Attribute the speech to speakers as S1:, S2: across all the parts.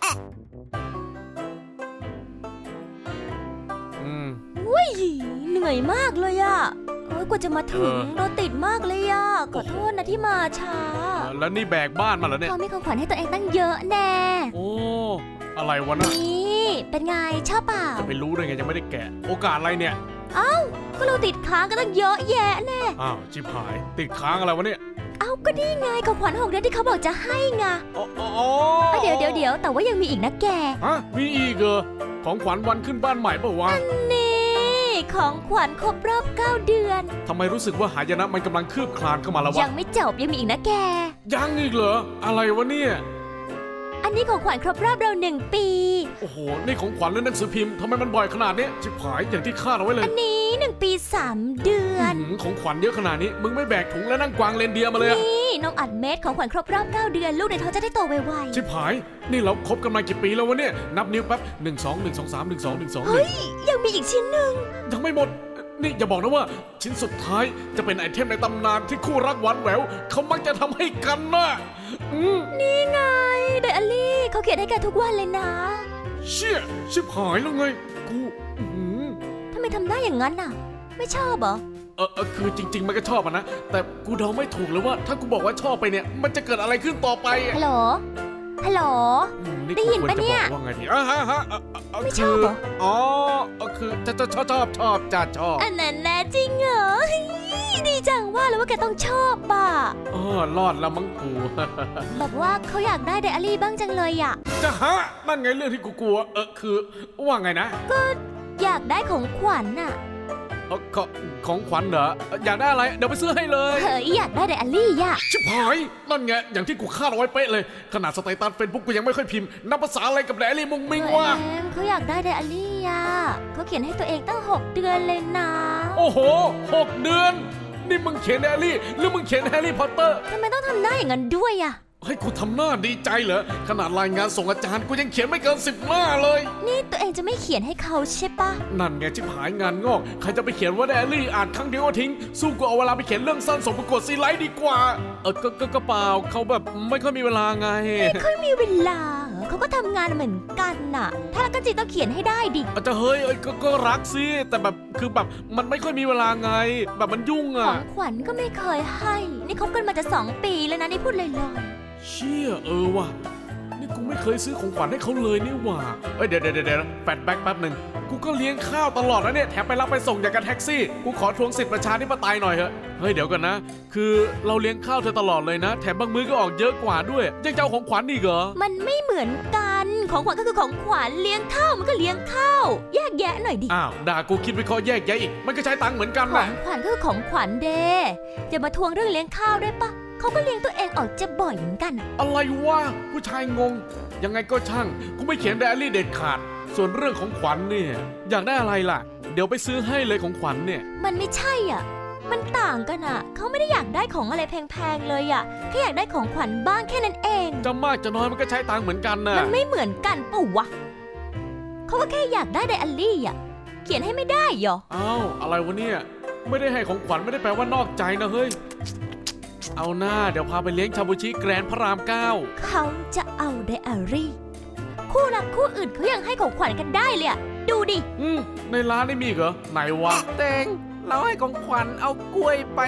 S1: อุ้ยเหนื่อยมากเลยอะกว่าจะมาถึงรถติดมากเลยอะขอโทษนะที่มาช้า
S2: แล้วนี่แบกบ้านมาเหรอเนี่ย
S1: เขามีของขวัญให้ตัวเองตั้งเยอะแน่
S2: โอ้อะไรวะน่ะ
S1: นี่เป็นไงชอบเปล่า
S2: จะไปรู้ได้ไงยังไม่ได้แกะโอกาสอะไรเนี่ย
S1: ก็เราติดค้างกันตั้งเยอะแยะแน่
S2: ชิบหายติดค้างอะไรวะเนี่ย
S1: ก็นี่ไงของขวัญ6 เดือนที่เขาบอกจะให้ไงเดี๋ยวแต่ว่ายังมีอีกนะแก
S2: มีอีกเหรอของขวัญวันขึ้นบ้านใหม่ป่าวะ
S1: นี่ของขวัญครบรอบ9 เดือน
S2: ทำไมรู้สึกว่าหายนะมันกำลังคืบคลานเข้ามาแล้ววะ
S1: ยังไม่จบยังมีอีกนะแก
S2: ยังอีกเหรออะไรวะเนี่ย
S1: อันนี้ของขวัญครบรอบเรา1 ปี
S2: โอ้โหนี่ของขวัญเล่นหนังสือพิมพ์ทำไมมันบ่อยขนาดนี้ชิบหายอย่างที่คาดเอาไว้เลย
S1: อันนี้1 ปี3 เดือน
S2: ของขวัญเยอะขนาดนี้มึงไม่แบกถุงและนั่งกวางเรนเดียร์มาเลย
S1: นี่น้องอัดเม็ดของขวัญครบรอบ9 เดือนลูกในท้องจะได้โตไวๆ
S2: ชิบหายนี่เราคบกันมากี่ปีแล้ววะเนี่ยนับนิ้วแป๊บ1 2 1 2 3 1 2 1 2
S1: เฮ้ยยังมีอีกชิ้นหนึ่ง
S2: ยังไม่หมดนี่อย่าบอกนะว่าชิ้นสุดท้ายจะเป็นไอเทมในตำนานที่คู่รักหวานแหววเขามักจะทำให้กันนะ
S1: นี่ไงไดอารี่เขาเขียนให้แกทุกวันเลยนะ
S2: เชี่ยชิบหายแล้วไงกู
S1: ทำไมทำได้อย่างนั้นน่ะไม่ชอบเหรอ
S2: คือจริงๆมันก็ชอบนะแต่กูเดาไม่ถูกเลยว่าถ้ากูบอกว่าชอบไปเนี่ยมันจะเกิดอะไรขึ้นต่อไป
S1: ฮัลโหลได้ยินปะเนี่ย
S2: ว่าไงดี
S1: ไม่ชอบเหรอ
S2: คือจะชอบ
S1: อันนั้นแน่จริงเหรอดีจังว่าแล้วว่าแกต้องชอบป่ะ
S2: รอดแล้วมั้งกู
S1: แบบว่าเขาอยากได้ไดอารี่บ้างจังเลยอ่ะ
S2: จะนั่นไงเรื่องที่กูกลัวคือว่าไงนะ
S1: ก็อยากได้ของขวัญน่ะ
S2: ของขวัญเหรออยากได้อะไรเดี๋ยวไปซื้อให้เลย
S1: เฮ้ยอยากได้ไดอารี่อ่ะ
S2: ชิบหายนั่นไงอย่างที่กูคาดเอาไว้เป๊ะเลยขนาดสเตตัสเฟซบุ๊กกูยังไม่ค่อยพิมพ์นับภาษาอะไรกับไดอารี่มุงมิงวะ
S1: เขาอยากได้ไดอารี่อ่ะเขาเขียนให้ตัวเองตั้ง6 เดือนเลยนะ
S2: โอ้โห6 เดือนนี่มึงเขียนไดอารี่หรือมึงเขียนแฮร์รี่พอตเตอร์
S1: ทำไมต้องทำหน้าอย่างนั้นด้วยอ่ะ
S2: ให้กูทำหน้าดีใจเหรอขนาดรายงานส่งอาจารย์กูยังเขียนไม่เกิน10 หน้าเลย
S1: นี่ตัวเองจะไม่เขียนให้เขาใช่ปะ
S2: นั่นไงชิบหายงานงอกใครจะไปเขียนว่าไดอารี่อ่านครั้งเดียวก็ทิ้งสู้กูเอาเวลาไปเขียนเรื่องสั้นส่งประกวดซีไลท์ดีกว่าก็เปล่าเขาแบบไม่ค่อยมีเวลาไง
S1: ไม่ค่อยมีเวลาเขาก็ทำงานเหมือนกันน่ะถ้ารักกันจริงต้องเขียนให้ได้ดิ
S2: อาจจะเฮ้ยก็รักสิแต่แบบคือแบบมันไม่ค่อยมีเวลาไงแบบมันยุ่ง
S1: อะของขวัญก็ไม่เคยให้นี่คบกันมาจะ2 ปีแล้วนะนี่พูดลอย
S2: เชี่ยว่ะนี่กูไม่เคยซื้อของขวัญให้เขาเลยนี่หว่าเดี๋ยวแฟลชแบ็กแป๊บหนึ่งกูก็เลี้ยงข้าวตลอดนะเนี่ยแถมไปรับไปส่งอย่างกับแท็กซี่กูขอทวงสิทธิประชาธิปไตยหน่อยเถอะเฮ้ยเดี๋ยวกันนะคือเราเลี้ยงข้าวเธอตลอดเลยนะแถมบางมื้อก็ออกเยอะกว่าด้วยยังจะเอาของขวัญอีกเหรอ
S1: มันไม่เหมือนกันของขวัญก็คือของขวัญเลี้ยงข้าวมันก็เลี้ยงข้าวแยกแยะหน่อยดิ
S2: ด่ากูคิดวิเคราะห์แยกแยะอีกมันก็ใช้ตังค์เหมือนกันแหละ
S1: ของขวัญก็คือของขวัญเด้จะมาทวงเรื่องเลี้ยงข้าวได้ปะเขาก็เลี้ยงตัวเองออกจะบ่อยเหมือนกัน
S2: อะไรวะผู้ชายงงยังไงก็ช่างกูไม่เขียนไดอารี่เด็ดขาดส่วนเรื่องของขวัญเนี่ยอยากได้อะไรล่ะเดี๋ยวไปซื้อให้เลยของขวัญเนี่ย
S1: มันไม่ใช่อ่ะมันต่างกันอ่ะเขาไม่ได้อยากได้ของอะไรแพงๆเลยอ่ะแค่อยากได้ของขวัญบ้างแค่นั้นเอง
S2: จะมากจะน้อยมันก็ใช้ตังค์เหมือนกันนะ
S1: มันไม่เหมือนกันปะวะเขาก็แค่อยากได้ไดอารี่อ่ะเขียนให้ไม่ได้หรอ
S2: อะไรวะเนี่ยไม่ได้ให้ของขวัญไม่ได้แปลว่านอกใจนะเฮ้ยเอาหน้าเดี๋ยวพาไปเลี้ยงชาบูชิแกรนด์พระราม 9
S1: เขาจะเอาไดอารี่คู่รักคู่อื่นเขายังให้ของขวัญกันได้เลยอะดูดิ
S2: ในร้านนี่มีเหรอไหนวะ
S3: เตงเราให้ของขวัญเอากล้วยไป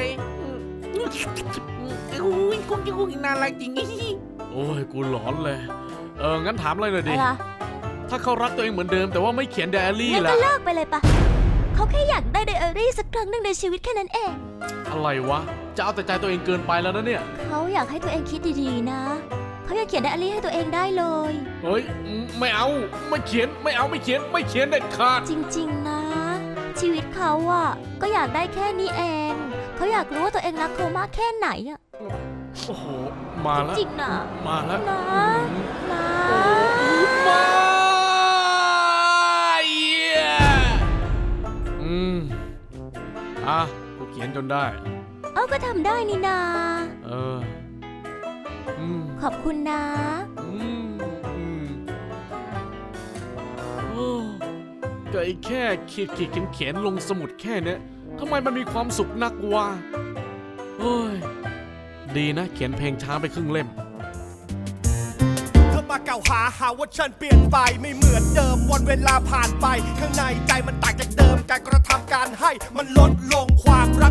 S3: กุ้งน่ารักจริง
S2: โอ้ยกูหลอนเลยงั้นถามอะไรหน่อยดิถ้าเขารักตัวเองเหมือนเดิมแต่ว่าไม่เขียนไดอารี่
S1: ล่ะงั้นก็เลิกไปเลยปะเขาแค่อยากได้ไดอารี่สักครั้งหนึ่งในชีวิตแค่นั้นเอง
S2: อะไรวะจะเอาแต่ใจตัวเองเกินไปแล้วนะเนี่ย
S1: เขาอยากให้ตัวเองคิดดีๆนะเขาอยากเขียนไดอารี่ให้ตัวเองได้เลย
S2: เฮ้ยไม่เอาไม่เขียนไม่เด็ดขาด
S1: จริงๆนะชีวิตเขาอ่ะก็อยากได้แค่นี้เองเขาอยากรู้ว่าตัวเองรักเขามากแค่ไหนอ่ะ
S2: โอ้โหมาแล้ว
S1: จริงๆนะ
S2: มาแล้ว
S1: นะ
S2: กูเขียนจนได้
S1: ก็ทำได้นี่นาขอบคุณนะ
S2: ก็ไอ้แค่ขีดเขียนลงสมุดแค่นี้ทำไมมันมีความสุขนักวะเฮ้ยดีนะเขียนเพลงช้าไปครึ่งเล่ม
S3: เธอมา
S4: กล่าวหาว่าฉันเปลี่ยนไปไม่เหมือนเดิมวันเวลาผ่านไปข้างในใจมันต่างจากเดิมการกระทำการให้มันลดลงความรัก